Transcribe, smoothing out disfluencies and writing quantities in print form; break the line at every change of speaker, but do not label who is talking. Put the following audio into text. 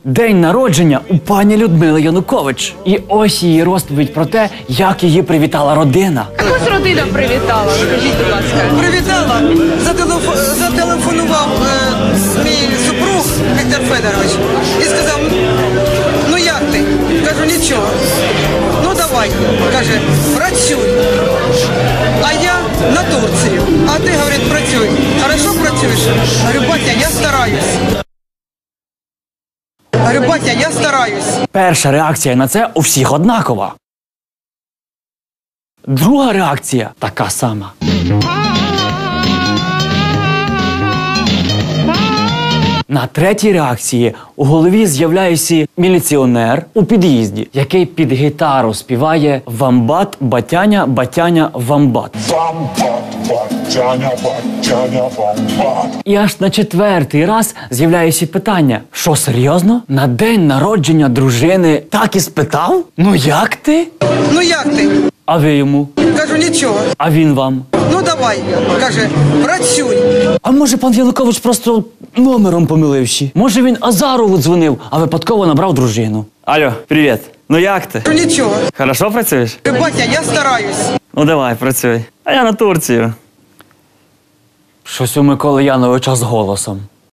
День народження у пані Людмили Янукович. І ось її розповідь про те, як її привітала родина.
Якось родина привітала, скажіть, будь ласка.
Привітала, зателефонував мій супруг Віктор Федорович і сказав, ну як ти? Кажу, нічого. Ну давай, каже, працюй. А я на Турцію. А ти, говорить, працюй. Хорошо працюєш? Говорю, батя, я стараюсь. Говорю, батя, я стараюсь.
Перша реакція на це у всіх однакова. Друга реакція така сама. На третій реакції у голові з'являється міліціонер у під'їзді, який під гітару співає «Вамбат, батяня, батяня, вамбат». І аж на четвертий раз з'являється питання: що, серйозно? На день народження дружини так і спитав? Ну як ти?
Ну як ти?
А ви йому?
Кажу, нічого.
А він вам?
Ну давай, каже, працюй.
А може пан Янукович просто номером помиливши? Може він Азарову дзвонив, а випадково набрав дружину? Алло, привіт. Ну як ти?
Кажу, нічого.
Хорошо працюєш?
Говорю, батя, я стараюсь.
Ну давай, працюй. А я на Турцію. Щось у Миколи Яновича з голосом.